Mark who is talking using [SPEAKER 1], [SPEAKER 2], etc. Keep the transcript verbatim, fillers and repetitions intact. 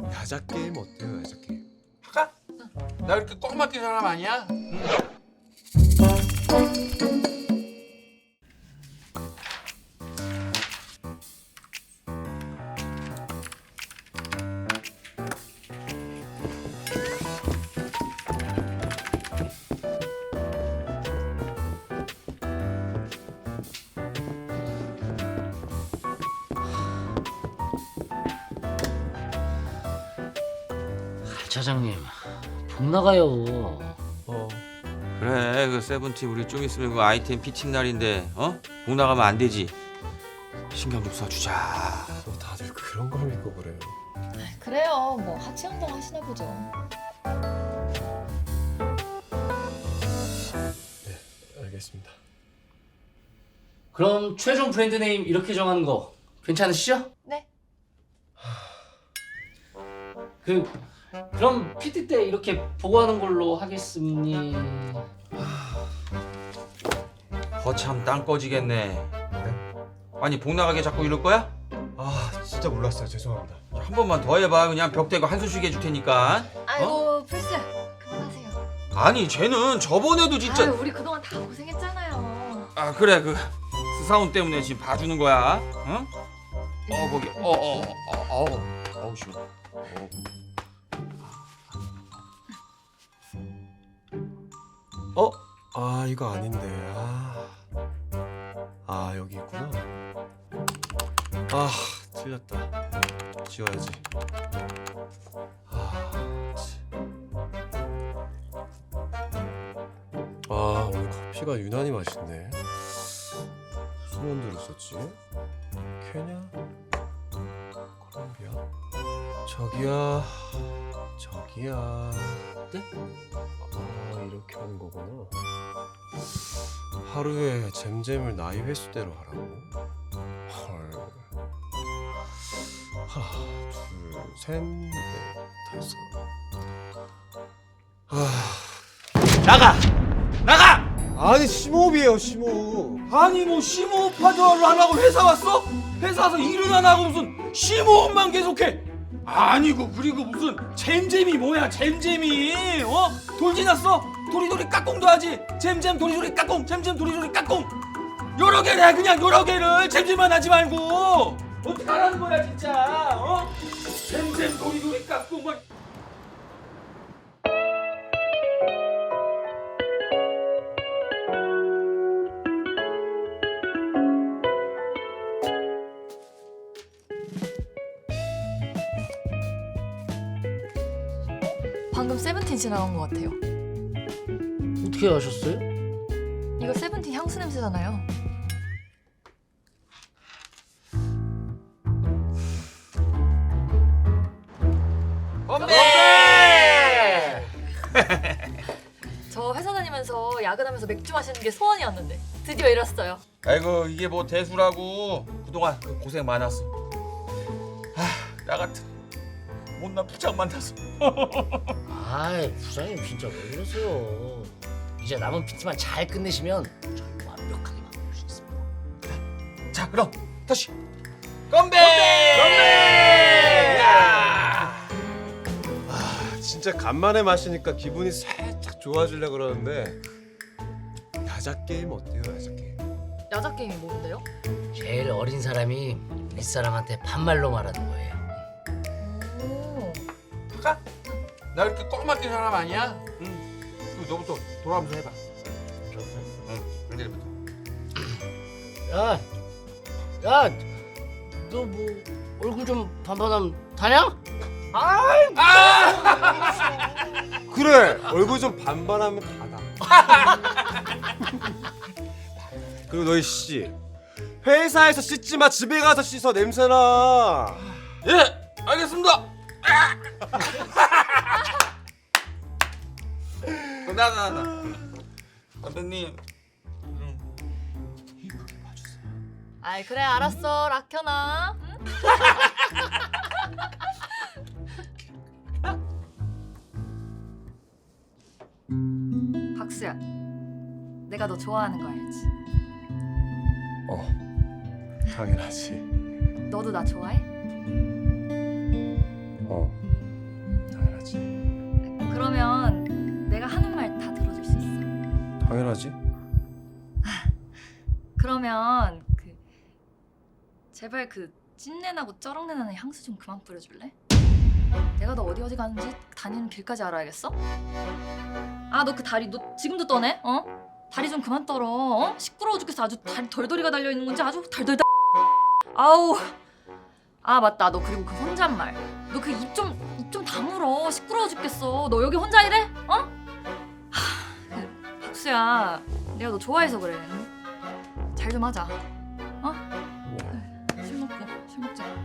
[SPEAKER 1] 야자 게임 어때요, 야자 게임?
[SPEAKER 2] 할까? 나 이렇게 꽉 막힌 사람 아니야? 응.
[SPEAKER 3] 차장님, 복 나가요.
[SPEAKER 1] 어.
[SPEAKER 2] 그래, 그 세븐틴 우리 좀 있으면 그 아이템 피칭 날인데 어? 복 나가면 안 되지. 신경 좀 써주자.
[SPEAKER 1] 뭐 다들 그런 걸 믿고 그래요.
[SPEAKER 4] 그래요. 뭐 하체 운동 하시나 보죠.
[SPEAKER 1] 네, 알겠습니다.
[SPEAKER 3] 그럼 최종 브랜드 네임 이렇게 정하는 거 괜찮으시죠?
[SPEAKER 4] 네.
[SPEAKER 3] 그 그럼 피티 때 이렇게 보고하는 걸로 하겠습니다.
[SPEAKER 2] 거참 땅 꺼지겠네. 아니 복 나가게 자꾸 이럴 거야?
[SPEAKER 1] 아, 진짜 몰랐어요. 죄송합니다.
[SPEAKER 2] 한 번만 더 해봐. 그냥 벽 대고 한숨 쉬게 해줄 테니까.
[SPEAKER 4] 아이고
[SPEAKER 2] 어?
[SPEAKER 4] 플스 그만하세요.
[SPEAKER 2] 아니 쟤는 저번에도 진짜.
[SPEAKER 4] 아유 우리 그동안 다 고생했잖아요.
[SPEAKER 2] 아 그래 그 스사운 때문에 지금 봐주는 거야. 응? 어 거기 어어어어 어우 씨.
[SPEAKER 1] 어? 아, 이거 아닌데. 아, 아 여기 있구나. 아, 틀렸다. 지워야지. 아, 치. 아, 오늘 커피가 유난히 맛있네. 무슨 원두를 썼지? 케냐? 콜롬비아? 저기야, 저기야.
[SPEAKER 3] 네?
[SPEAKER 1] 아, 이렇게 하는 거구나. 하루에 잼잼을 나이 횟수대로 하라고? 헐. 하나, 둘, 셋, 넷, 다섯. 아,
[SPEAKER 2] 나가 나가.
[SPEAKER 1] 아니 심호흡이에요, 심호흡.
[SPEAKER 2] 아니 뭐 심호흡하도 하려고 회사 왔어? 회사 와서 일은 안 하고 무슨 심호흡만 계속해? 아니고 그리고 무슨 잼잼이 뭐야 잼잼이 어? 돌 지났어? 도리도리 까꿍도 하지 잼잼 도리도리 까꿍 잼잼 도리도리 까꿍 여러 개를 해 그냥 여러 개를 잼잼만 하지 말고 어떡하라는 거야 진짜 어? 잼잼 도리도리 까꿍만
[SPEAKER 4] 방금 세븐틴 지나간 것 같아요.
[SPEAKER 3] 어떻게 아셨어요?
[SPEAKER 4] 이거 세븐틴 향수 냄새잖아요.
[SPEAKER 2] 건배!
[SPEAKER 4] 저 회사 다니면서 야근하면서 맥주 마시는 게 소원이었는데 드디어 이뤘어요.
[SPEAKER 2] 아이고 이게 뭐 대수라고 그동안 그 고생 많았어. 아, 나 같은 못난 부장 만나서.
[SPEAKER 3] 아이 부장님 진짜 왜 그러세요? 이제 남은 피티만 잘 끝내시면 저희 완벽하게 만들 수 있습니다.
[SPEAKER 2] 자 그럼 다시 건배! 건배! 야!
[SPEAKER 1] 아, 진짜 간만에 마시니까 기분이 살짝 좋아지려 그러는데. 야자 게임 어때요, 야자 게임?
[SPEAKER 4] 야자 게임이 뭔데요?
[SPEAKER 3] 제일 어린 사람이 윗사람한테 반말로 말하는 거예요.
[SPEAKER 4] 오.
[SPEAKER 2] 할까? 나 이렇게 꽉 막힌 사람 아니야? 응. 그리고 너부터 돌아오면서 해봐. 응. 웬일부터?
[SPEAKER 3] 야, 야, 너 뭐 얼굴 좀 반반하면 다냐?
[SPEAKER 1] 그래, 얼굴 좀 반반하면 다다. 그리고 너희 씨, 회사에서 씻지 마. 집에 가서 씻어. 냄새나.
[SPEAKER 2] 예, 알겠습니다. 나나 나. 선배님.
[SPEAKER 4] 아이 그래 알았어 락현아. 응? 박수야, 내가 너 좋아하는 거 알지?
[SPEAKER 1] 어, 당연하지.
[SPEAKER 4] 너도 나 좋아해?
[SPEAKER 1] 어. 해야지.
[SPEAKER 4] 그러면 내가 하는 말 다 들어줄 수 있어.
[SPEAKER 1] 당연하지.
[SPEAKER 4] 그러면 그 제발 그 찐내 나고 쩌렁내 나는 향수 좀 그만 뿌려줄래? 내가 너 어디 어디 가는지 다니는 길까지 알아야겠어? 아 너 그 다리 너 지금도 떠네? 어? 다리 좀 그만 떨어. 어? 시끄러워 죽겠어. 아주 다리 덜덜이가 달려 있는 건지 아주 덜덜. 아우. 아 맞다. 너 그리고 그 혼잣말. 너 그 입 좀 입 좀 다물어. 시끄러워 죽겠어. 너 여기 혼자 이래? 어? 하, 그, 박수야. 내가 너 좋아해서 그래. 잘 좀 하자. 어? 술 먹고 술 먹자.